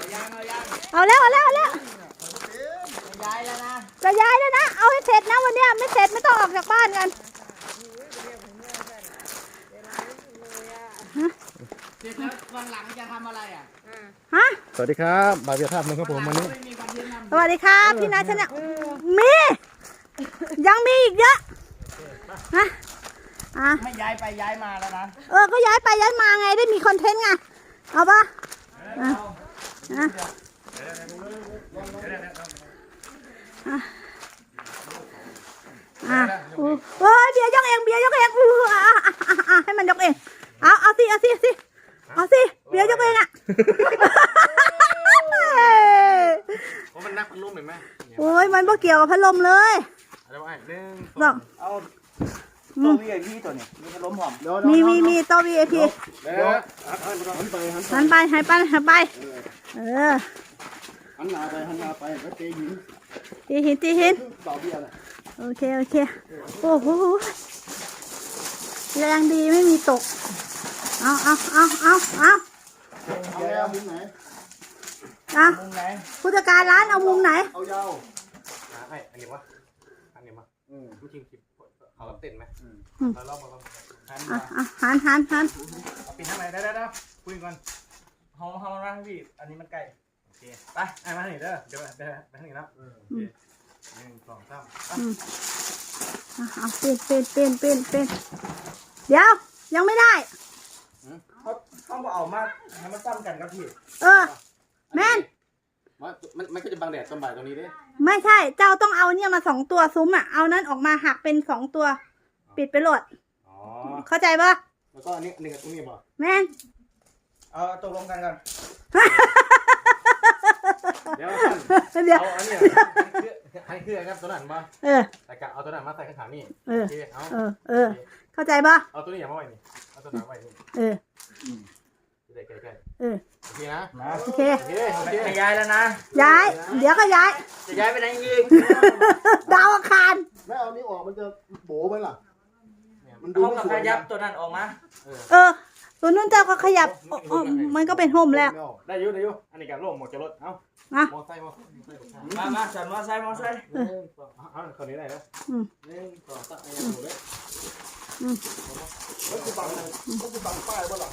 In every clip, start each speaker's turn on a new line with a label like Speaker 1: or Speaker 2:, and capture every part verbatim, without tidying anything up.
Speaker 1: เอาแล้วเอาแล้วเอาแล้ว
Speaker 2: ย้ายแล้วนะ
Speaker 1: จะย้ายแล้วนะเอาให้เสร็จนะวันนี้ไม่เสร็จไม่ต้องออกจากบ้านกัน
Speaker 2: เสร็จแล้ววันหลังจะทำอะไรอ่ะ
Speaker 1: ฮะ
Speaker 3: สวัสดีครับบาเบียท่านะครับผมวันนี้
Speaker 1: สวัสดีครับพี่นาชนะมียังมีอีกเยอะนะอ่ะ
Speaker 2: ไม่ย้ายไปย้ายมาแล้วนะ
Speaker 1: เออก็ย้ายไปย้ายมาไงได้มีคอนเทนต์ไงเอาปะอ่ะอ่ะอ่ะอ่ะโอ้ยเบียร์ยกเองเบียร์ยกเองอืออ่ะอ่ะอ่ะอ่ะให้มันยกเองเอาเอาสิเอาสิเอาสิเอาสิเบียร์ยกเองอ่ะ
Speaker 3: เพราะมันนักพัดลมเห็นไหม
Speaker 1: โอ้ยมันบ่เกี่ยวกับพัดลมเลย
Speaker 3: อะไรวะหนึ่ง
Speaker 1: สอง
Speaker 2: เอาตัววีไอพีตัวนี้มีพัดลมหอม
Speaker 1: มีมีมีตัว วี ไอ พี
Speaker 3: หันไป
Speaker 1: หันไปหันไปหันไปเออ
Speaker 3: หันหน้าไปหันหน้าไปแล้วเตะหิน
Speaker 1: ตีหินตีหิน
Speaker 3: ต่อเบี้ยเลย
Speaker 1: โอเคโอเคโอ้โหแรงดีไม่มีตกเอาเอาเอาเอาเอา
Speaker 3: เอาแล้วมุมไหน
Speaker 1: เอาผู้จัดการร้านเอามุมไหน
Speaker 3: เอายาวไอ้อันนี้วะอันนี้วะอืมผู้ชิงคลิปเขาเต้นไหมเราลองมาลองหัน
Speaker 1: หันหันหัน
Speaker 2: ปีนทางไหนได้ได้ได้คุยกันห้องห้องนั่งพี่อันนี้มันไกลโอเคไปไอ้มาหนิเด้อเดี๋ยวไปไปทางนี้แล้วหนึ่งสองสาม
Speaker 1: เอาเป็นเป็นเป็นเป็นเป็นเดี๋ยวยังไม่ได้
Speaker 2: เขาเขาบอกเอามาให้มันซ้ำกันครับพี่
Speaker 1: เออแม่น
Speaker 3: มันมันก็จะบังแดดตอนบ่ายตรงนี้ด้วย
Speaker 1: ไม่ใช่เจ้าต้องเอาเนี่ยมาสองตัวซุ้มอ่ะเอานั้นออกมาหักเป็นสองตัวปิดไปโหลดเข้าใจปะ
Speaker 3: แล้วก็อันนี้หนึ่งตรงนี้ป่ะ
Speaker 1: แม่น
Speaker 2: เอาตกลงกันกัน
Speaker 3: เดี๋ยว
Speaker 1: เดี๋ยว
Speaker 3: เอาอันนี้ให้เครื่องครับตัวนั้นมา
Speaker 1: เออ
Speaker 3: แต่กะเอาตัวนั้นมาใส่ข้างขานี่
Speaker 1: เออ
Speaker 3: เอา
Speaker 1: เออเออเข้าใจปะ
Speaker 3: เอาตัวนี้อย่ามาไว้นี่เอาตัวนั้นไว้นี่
Speaker 1: เออ
Speaker 3: ใกล้ใกล้
Speaker 1: เออ
Speaker 3: โอเคนะ
Speaker 1: โอเค
Speaker 2: จะย้ายแล้วนะ
Speaker 1: ย้ายเดี๋ยวก็ย้าย
Speaker 2: จะย้ายไปไหนยิง
Speaker 1: ดาวอังคาร
Speaker 3: ไม่เอานี้ออกมันจะโบ๋ไปล่ะ
Speaker 2: มันดูขยับตัวนั้นออกมา
Speaker 1: เออตัวนู้นเจ้าก็ขยับมันก็เป็นโฮมแล้ว
Speaker 3: ได้ยุ่ได้ยุ่อันนี้กับโล่หมดจะรถเอ้ามอไซค์
Speaker 2: มามาฉันมอไซค์มอไซค์
Speaker 3: เอาคนนี้ได้แล้วหนึ่งสองสามยังอยู่เลยแล้วคือบังแล้วคือบังป้ายบ่ล่ะ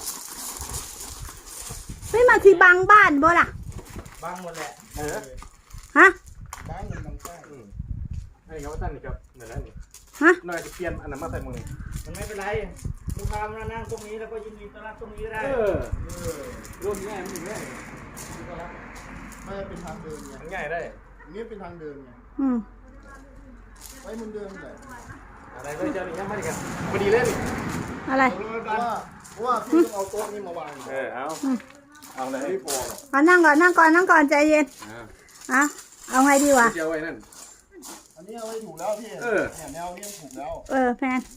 Speaker 1: ไม่มาที่บังบ้านบ่ล่ะ
Speaker 2: บังหมดแหละ
Speaker 3: เออ
Speaker 1: ฮะ
Speaker 3: บังเงินบังป้ายไอ้เขาตั้งนี่ครับเหมือนนั้นนี่
Speaker 1: ฮะ
Speaker 3: น่าจะเปลี่ยนอันนั้นมาใส่มือ
Speaker 2: มันไม่เป็นไรลูกค้ามานั่งตรงนี้แล้วก็ยินดีต้อนรับตรงนี้ก็ได้
Speaker 3: เออร่วมง่ายมันง่ายไม่เป็นทางเดินไงง่ายได้นี่เป็นทางเดินไง
Speaker 1: อืม
Speaker 3: ไว้มึงเดินเลยอะไรก็จะมีแค่ไม่ได้กันพอดีเล่น
Speaker 1: อะไร
Speaker 3: เพราะว่าเพราะว่าพี่ต้องเอาโต๊ะนี้มาวางเออเอาเอาเลยไม่พอ
Speaker 1: เอานั่งก่อนนั่งก่อนนั่งก่อนใจเย็นอ่ะเอาไงดีวะ
Speaker 3: เจ้าไว้นั่นอันนี้เอาไว้ถูกแล้วพี่เออเนี่ยแนวนี้ถูกแล้ว
Speaker 1: เออแฟน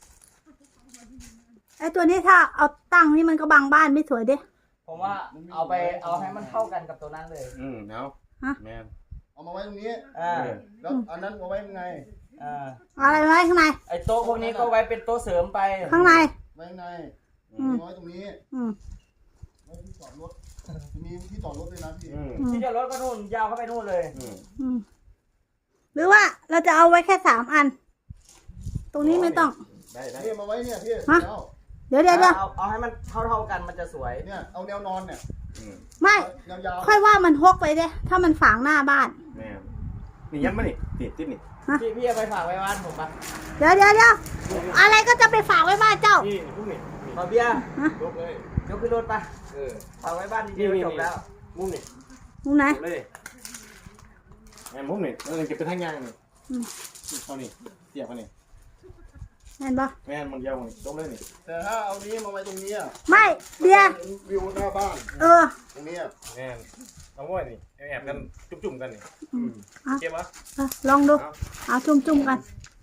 Speaker 1: ไอตัวนี้ถ้าเอาตั้งนี่มันก็บังบ้านไม่สวยดิ
Speaker 2: ผมว่าเอาไปเอาให้มันเข้ากันกับตัวนั้นเลย
Speaker 3: อืมเอาแมนเอามาไว้ตรงนี้
Speaker 2: อ่า
Speaker 3: แล้วอันนั้นเอาไว้ยังไง
Speaker 2: อ่า
Speaker 1: อะไรไว้ข้างใน
Speaker 2: ไอโต๊ะพวกนี้ก็ไว้เป็นโต๊ะเสริมไป
Speaker 1: ข้างใน
Speaker 3: ไว้ข้างในไว้ตรงนี้
Speaker 1: อืม
Speaker 3: ไว้ที่จอดรถมีที่จอดรถด้วยนะพี่
Speaker 2: ที่จอดรถก็นู่นยาวเข้าไปนู่นเลย
Speaker 1: อืมหรือว่าเราจะเอาไว้แค่สามอันตรงนี้ไม่ต้อง
Speaker 3: ได้ได้มาไว้เนี่ยพี่
Speaker 1: เดี๋ยวเดี๋ยวเดี๋ยว
Speaker 2: เอาเอาให้มันเท่าเท่ากันมันจะสวย
Speaker 3: เนี่ยเอาแนวนอนเนี่ย
Speaker 1: ไม่ค่อยว่ามันฮกไปเด้ถ้ามันฝังหน้าบ้าน
Speaker 3: นี่ยันมานี่ติดติดนี่
Speaker 2: พี่พี่เอาไปฝากไว้บ้านผมปะ
Speaker 1: เดี๋ยวเดี๋ยวเดี๋ยวอะไรก็จะไปฝากไว้บ้านเจ้า
Speaker 3: นี่พวกนี้
Speaker 2: มาเบียร์
Speaker 3: ยกเลย
Speaker 2: ยกขึ้นรถไป
Speaker 3: เออ
Speaker 2: ฝากไว้บ้านดีๆจบแล้ว
Speaker 3: มุมนี่
Speaker 1: มุมไหน
Speaker 3: เลยแม่มุมนี่เออเก็บไปทั้งยางนี่เขานี่เสียบเขานี่
Speaker 1: แม่นปะ
Speaker 3: แม่นมันยาวนี่ตรงเลยนี่แต่ถ้าเอานี้มาไว้ตรงนี้อ่ะ
Speaker 1: ไม่เบียร์
Speaker 3: วิวหน้าบ้าน
Speaker 1: เออ
Speaker 3: ตรงนี้อ่ะแม่นเอาไว้นี่แอบกันจุ่มๆกันนี่เก็บวะ
Speaker 1: ลองดูเอาจุ่มๆกัน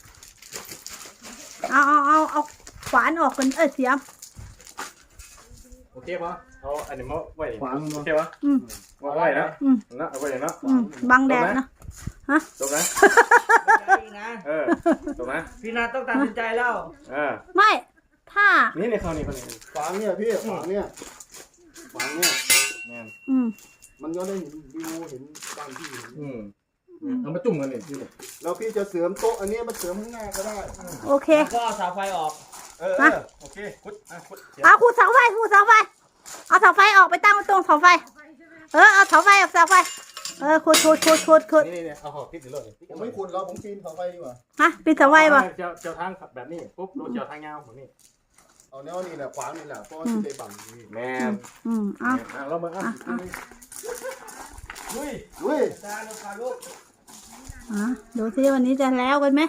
Speaker 1: เอาเอาเอาเอาขวานออกกันเออเสียม
Speaker 3: โอเคปะเอาอันนี้มาไว้ขวานโอเคปะ
Speaker 1: อืม
Speaker 3: มาไว้นะนะเอาไว้นะ
Speaker 1: บังแดดนะฮะ
Speaker 3: ตรงนะเออตรงนะ
Speaker 2: พี่นาต้องตัดสินใจแล้ว
Speaker 3: เออ
Speaker 1: ไม่ถ้า
Speaker 3: นี่ในเขานี่เขานี่ขวางเนี่ยพี่ขวางเนี่ยขวางเนี่ยเนี่ย
Speaker 1: อืม
Speaker 4: มันก็ได้เห็นวิวเห็นบ้านพี่เห็น
Speaker 3: อืมเอามาจุ่มกันเลยพี่
Speaker 4: แล้วพี่จะเสริมโต๊ะอันนี้มาเสริมข้างหน้าก็ได้
Speaker 1: โอเค
Speaker 2: ก็เอาเสาไฟออกเออ
Speaker 1: ฮะ
Speaker 2: โอเคคุดอ่ะคุด
Speaker 1: เอาขูดเสาไฟขูดเสาไฟเอาเสาไฟออกไปตั้งไว้ตรงเสาไฟเออเอาเสาไฟออกเสาไฟเออขูดขูดขูดขูดขูด
Speaker 3: นี่นี่เอาหอกติดอยู่เลย
Speaker 4: ผมไม่คุณแล้วผมปีนเสาไฟดีกว่า
Speaker 1: ฮะปิดเสาไฟป่ะ
Speaker 3: เจียวเจียวทางแบบนี้ปุ๊บรู้เจียวทางยาวแบบนี้
Speaker 4: เอาแนวนี้แหละขวางนี่แหละเพราะว่าที่ไปบังนี่
Speaker 3: แม่
Speaker 1: อืมเอา
Speaker 3: อ่ะเรามาอ่ะ
Speaker 2: ลุย
Speaker 4: เว้ย
Speaker 2: จานลูกค้าลูก
Speaker 1: อ่ะดูสิวันนี้จะแล้วกันไหม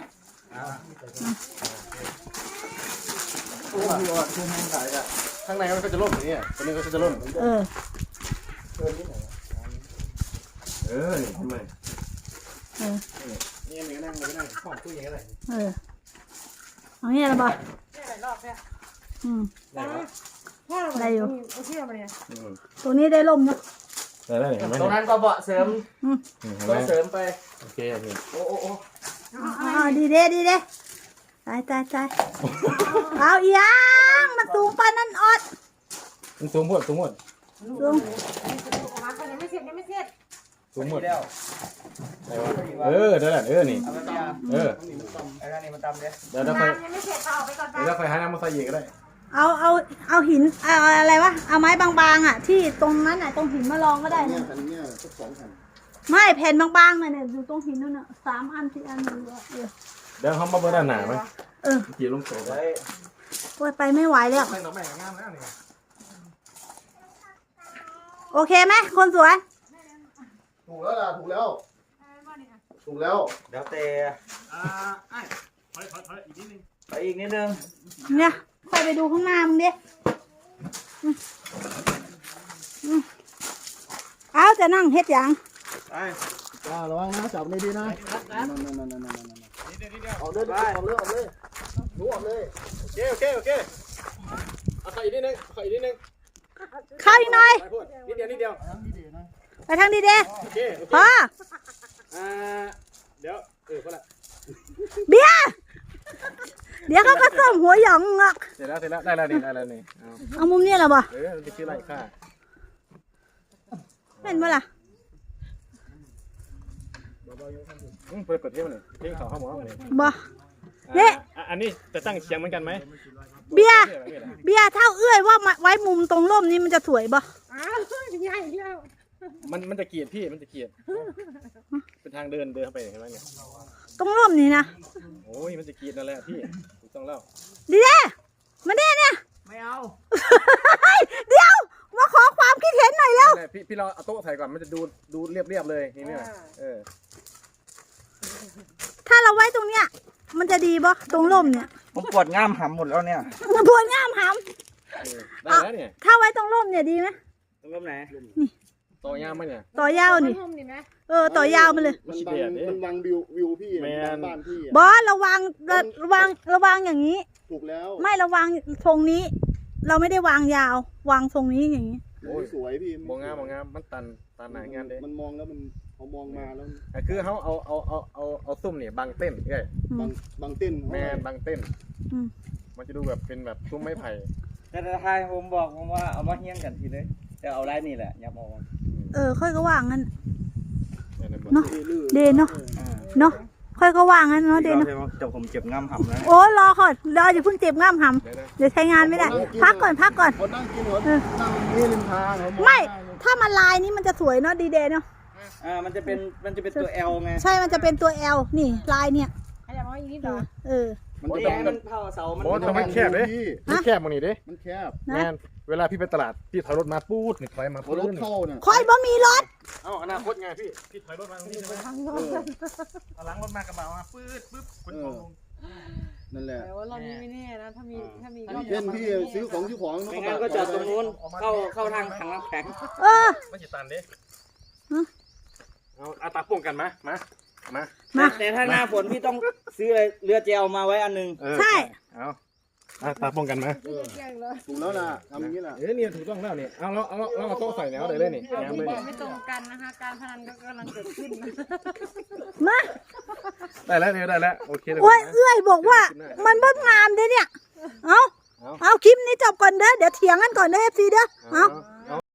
Speaker 4: โอ้โหทุ่มให้ถ่ายอ่ะ
Speaker 3: ข้างในมันก็จะล่มอย่างนี้ตัวนี้ก็จะล่ม
Speaker 1: เออ
Speaker 4: เกินนิดหน่อย
Speaker 3: เออนี่ทำไม
Speaker 1: เออ
Speaker 3: นี่มันก็นั่งมันก็นั่งห้องตู้ยังไงได้
Speaker 1: เออเอาเนี่ยละบ่
Speaker 5: ได้หลายรอบแล้ว
Speaker 1: อืม
Speaker 3: ได้ไหม
Speaker 5: พ่อเรา
Speaker 1: อะไรอยู่
Speaker 5: โอเคมาเนี่ย
Speaker 1: ตรงนี้ได้ล่มเนาะ
Speaker 3: ได้ได้เห็นไหม
Speaker 2: ตรงนั้นก็เบาะเสริม
Speaker 3: เห็น
Speaker 2: ก็
Speaker 3: ไหม
Speaker 2: เสริมไป
Speaker 3: โอเคโอเค
Speaker 2: โอ้โอ้โอ้
Speaker 1: อ๋อดีเด้ดีเด้ตายตายตายเอาอีหยังมันสูงปานนั้นออด
Speaker 3: มันสูงหมดสูงหมด
Speaker 1: สูง
Speaker 5: ออกมาคนยังไม่เสร็จยังไม่เสร็จ
Speaker 3: สูงหมด
Speaker 2: แล้ว
Speaker 3: เออเดี๋ยวแหละเออนี่
Speaker 2: เอาไปเนี่ย
Speaker 3: เออ
Speaker 2: ไอ้ท่านนี้มันตำเลย
Speaker 3: เดี๋ยวเราค่อย
Speaker 5: น้ำยังไม่เสร็จเอาออกไปก่อนไป
Speaker 3: เดี๋ยวเราค่อยหาน้ำมาใส่อีกก็ได้
Speaker 1: เอาเอาเอาหินเอาอะไรวะเอาไม้บางๆอ่ะ ที่ตรงนั้นอ่ะตรงหินมาลองก็ได้
Speaker 4: เนี่ย
Speaker 1: นะ
Speaker 4: แผ่นเนี่ยสักสองแผ่น
Speaker 1: ไม่แผ่นบางๆน่ะเนี่ยอยู่ตรงหินนั่นน่ะสามอันสี่อันเลยเออ
Speaker 3: เดี๋ยวเขามาเบิร์ด้านหนาไหม
Speaker 1: เออ
Speaker 3: กี่ลงโซ่ไป
Speaker 2: ไว้
Speaker 1: โอ้ยไปไม่ไหวแล้ว
Speaker 3: ไม่ต้องแบ่งงามแล้วนี่
Speaker 1: โอเคไหมคนสวย
Speaker 4: ถูกแล้วล่ะถูกแล้วถูกแล้ว
Speaker 2: เดี๋ยวเตะ
Speaker 3: อ่าไอ้ถอยถอยถอยอีกนิดนึง
Speaker 2: ไปอีกนิดนึง
Speaker 1: เนี่ยค่อยไปดูข้างหน้ามึงดิอืมอืมเอาจะนั่งเฮ็ดหยัง
Speaker 2: ไป
Speaker 4: จ้าระวังนะจับดีๆนะนั่นนั่นนั่นนั่นนั่น
Speaker 3: นิดเดียวนิดเดียว
Speaker 4: เอาเลยเอาเลยเอาเลยรู้เอาเลย
Speaker 3: โอเคโอเคโอเคเอาขออีกนิดนึงขออีกนิดนึง
Speaker 1: เข้าอีกหน่อย
Speaker 3: ไปพูดนิดเดียวนิดเดียว
Speaker 1: ไปทางดีเด้
Speaker 3: โอเคโอเค
Speaker 1: พอ
Speaker 3: อ่าเดี๋ยวเออพอละ
Speaker 1: เบียร์เดี๋ยวเขาก็ส้มหัวหยองอ่ะ
Speaker 3: เสร็จแล้วเสร็จแล้วได้แล้วนี่ได้แล้วนี่เอา
Speaker 1: เอามุมนี้เหรอบ่
Speaker 3: เออมันจะชื่ออะไรค่ะ
Speaker 1: เป็นเมื่อล่ะ
Speaker 3: อืมเปิดเปิดเที่ยวหน่อยเที่ยวเขาเข้าหมอมาเลย
Speaker 1: บ่
Speaker 3: อ่าอ่ะอันนี้จะตั้งเชียงเหมือนกันไหม
Speaker 1: เบียร์
Speaker 3: เที่ยวอะไรเนี่ย
Speaker 1: เบียร์เท่าเอื้อยว่ามาไว้มุมตรงร่มนี้มันจะสวยบ่
Speaker 5: อ้าวใหญ่แล้ว
Speaker 3: มันมันจะเกลียดพี่มันจะเกลียดเป็นทางเดินเดินเข้าไปเห็นไหมเนี่ย
Speaker 1: ตรงร่มนี้นะ
Speaker 3: โอ้ยมันจะเกลียดนั่นแหละพี่ถูกต้องแล้ว
Speaker 1: ดีเด้มาเด้เนี่ย
Speaker 2: ไม่เอา
Speaker 1: เฮ้ยเดี๋ยวมาขอความคิดเห็นหน่อยแล้ว
Speaker 3: นั่นแหละพี่พี่เราเอาโต๊ะใส่ก่อนมันจะดูดูเรียบเรียบๆเลยนี่เนี่ยเออ
Speaker 1: ถ้าเราไว้ตรงเนี้ยมันจะดีบ่ตรงร่มเนี่ย
Speaker 2: ผมปวดง่ามหำหมดแล้วเนี่ย
Speaker 1: มันพวนง่ามห
Speaker 3: เออได้แล้วเนี่ย
Speaker 1: ำถ้าไว้ตรงร่มเนี่ยดีไหม
Speaker 2: ตรงร่มไหน
Speaker 3: ต่อยามไหมเนี่ย
Speaker 1: ต่อยาวนี่
Speaker 5: ร่มนี่ไหม
Speaker 1: เออต่อยาวมาเลย
Speaker 4: มันบังมันบังวิววิวพี่
Speaker 3: แมน
Speaker 4: บ้านพี่
Speaker 1: บอสระวังระระวังระวังอย่างนี้
Speaker 4: ถูกแล้ว
Speaker 1: ไม่ระวังทรงนี้ เราไม่ได้วางยาว วางทรงนี้อย่างนี้
Speaker 4: โอ้ยสวยพี่
Speaker 3: มองงามมองงามมันตันตันหนางานเด้
Speaker 4: มันมองแล้วมันพอมองมาแล้ว
Speaker 3: อ่ะคือเขาเอาเอาเอาเอาเอาซุ้มเนี่ยบังเต้นเอ้ย
Speaker 1: อื
Speaker 4: บาง
Speaker 1: ม
Speaker 4: บางเต้น
Speaker 3: แมนบังเต้น
Speaker 1: อืม
Speaker 3: มันจะดูแบบเป็นแบบซุ้มไม้ไผ่
Speaker 2: แต่ทายผมบอกผมว่าเอามาเฮี้ยงกันทีเลยแต่เอาไล่นี่แหละอย่าเอา
Speaker 1: เออ ค่อยก็วางงั้น
Speaker 3: เนี่ยในบท
Speaker 1: เนาะ
Speaker 4: ลื่น
Speaker 1: เดนเนาะเนาะค่อยก็วางงั้นเนาะเดนเนาะ
Speaker 2: เดี๋ยวผมเจ็บง่ามหำแล้ว
Speaker 1: โอ้รอก่อนรออย่าเพิ่งเจ็บง่ามห
Speaker 3: เดี๋ยวนะ
Speaker 1: ำเดี๋ยวใช้งานไม่ได้ พักก่อนพักก่อน
Speaker 4: คนนั่งกินหัวนั่งนี่ริมทางเขามอง
Speaker 1: ไม่ ถ้ามันลายนี้มันจะสวยเนาะดีเดย์เนาะ
Speaker 2: อ่ามันจะเป็นมันจะเป็นตัว L ไง
Speaker 1: ใช่มันจะเป็นตัว L นี่ลายเนี่ย
Speaker 5: ขยับมาอีกนิด
Speaker 1: เอ
Speaker 5: หน่อ
Speaker 1: อย เออ
Speaker 4: มัน
Speaker 2: โอ้
Speaker 4: จะ
Speaker 2: ย
Speaker 4: เป็น
Speaker 2: มันเท่าเสามัน
Speaker 3: โอ้ทำไมแคบเลย
Speaker 4: พี่
Speaker 3: มันแคบมันนี่ดิ
Speaker 4: มันแคบ
Speaker 1: นะ
Speaker 3: แมนเวลาพี่ไปตลาดพี่ถอยรถมาปูดนี่ถอยมา
Speaker 4: พอ
Speaker 3: ปูด
Speaker 4: รถเข้าเนี่ย
Speaker 1: ค่อยบ่มีรถ
Speaker 3: เอ้าอนาคตไงพี่พี่ถอยรถมาตรงนี้ใช่ไหม
Speaker 4: เออ
Speaker 3: เอาหลังรถมากระบะมาปื๊ดปึ๊บคนของลง
Speaker 4: นั่นแหละ
Speaker 5: แต่ว่ารอบนี้ไม่แน่นะ ถ้ามีถ้ามีรอบ
Speaker 4: เช่นพี่ซื้อของซื้อของ
Speaker 2: ไม่งั้นก็จอดตรงนู้นเข้าเข้าทางถังน้ำแข็ง
Speaker 1: เออ
Speaker 3: ไม่จิตันดิ
Speaker 1: ฮะ
Speaker 3: เอาเอาตาป่วงกันมามามา
Speaker 1: มา
Speaker 2: แต่ถ้าหน้าฝนพี่ต้องซื้อเรือเจลมาไว้อันหนึง
Speaker 3: เออ
Speaker 1: ใช่
Speaker 3: เอาเอาตาป่วงกันมา
Speaker 5: ไม่เกี่ยงเลย
Speaker 4: ถูกแล้วนะทำอย่างนี้แหละ
Speaker 3: เอ้ยนี่ถูกต้องแล้วนี่เอาเราเอาเราเราเอาโต๊ะใส่แนวเลยเลยนี่แนวเลยนี่
Speaker 5: ไม่ตรงกันนะคะ การพนันก็กำลังเกิดขึ้นนะ
Speaker 1: มา
Speaker 3: ได้แล้วเนี่ยได้แล้วโอเคเลย
Speaker 1: โอ้ยเอื้อยบอกว่า มันเบิ่งงามเด้เนี่ย เอา
Speaker 3: เอา
Speaker 1: เอาคลิปนี้จบก่อนเด้อ เดี๋ยวเถียงกันก่อนเด้อเอฟซีเด้อ เอา
Speaker 3: เอา